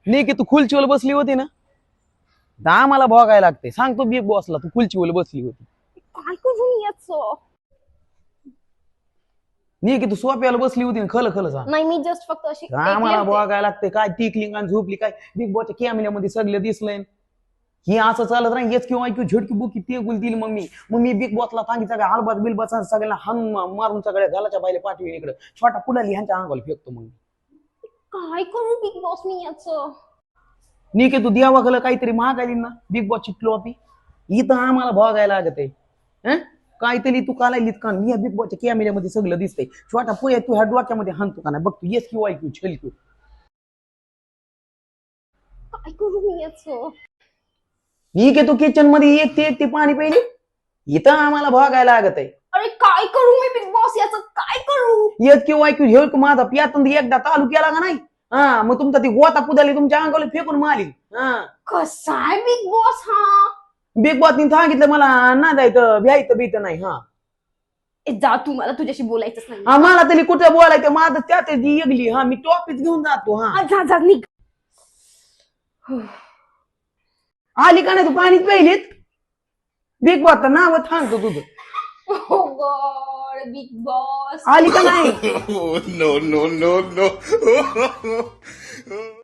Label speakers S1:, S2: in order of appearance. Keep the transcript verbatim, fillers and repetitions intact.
S1: नाही की तू खुर्चीवर बसली होती ना तर आम्हाला भोगायला लागते. सांगतो बिग बॉसला तू खुर्चीवर बसली होती.
S2: काय करू मी याचं?
S1: नाही की तू सोप्याला बसली होती ना. खल खल सांग.
S2: नाही मी जस्ट फक्त अशी
S1: आम्हाला
S2: ऐकली होते.
S1: भोगायला लागते. काय टिकली आणि झोपली काय बिग बॉसच्या कॅमेऱ्यामध्ये सगळं दिसलंय. ही असं चालत नाही. येच किंवा ऐकू झटकी बुकी ते गुल दिली मग मी मग मी बिग बॉसला सांगितलं सगळ्या हलबात बिलबात सगळ्यांना हन मारून सगळ्या घालाच्या बायले पाठवी इकडे छोटा पुढाली ह्यांच्या अंगाला फेकतो. मग
S2: काय करू बिग बॉस मी याचं?
S1: नी की तू देवाकडे काहीतरी महागाली ना बिग बॉसची ट्रॉफी इथं आम्हाला भोगायला लागत आहे. काहीतरी तू कालायलीत का मी या बिग बॉसच्या कॅमेऱ्यामध्ये सगळं दिसतंय. छोटा पोया तू ह्या डोक्यामध्ये हाणतो का नाही बघ तू येस किंवा ऐकू छल तू.
S2: काय करू मी याचं?
S1: मी की तू किचन मध्ये एक ते एक ते पाणी प्यायली इथं आम्हाला भोगायला लागत आहे.
S2: अरे काय करू मी बिग बॉस याचं? काय करू?
S1: येत किंवा ऐकू झेळ माझा पियातून एकदा चालू केला का नाही हा मग तुमचा ती गोता पुदाली तुमच्या अंगाला फेकून मारली. हा
S2: कसा आहे बिग बॉस हा?
S1: बिग बॉसनी सांगितलं मला ना जायचं भ्यायचं बीत नाही. हा
S2: ए, जा तू, मला तुझ्याशी बोलायचंच नाही.
S1: हा मला तरी कुठं बोलायचं माझं त्यात जी एकली. हा मी टॉपिक घेऊन जातो. हा
S2: आ, जा जा निघ.
S1: आली का नाही तू पाणीच प्यायलीत बिग बॉस नाव सांगतो तुझं.
S2: ओ गॉड बिग बॉस
S1: आली का नाही
S3: Oh, no, no, no, no.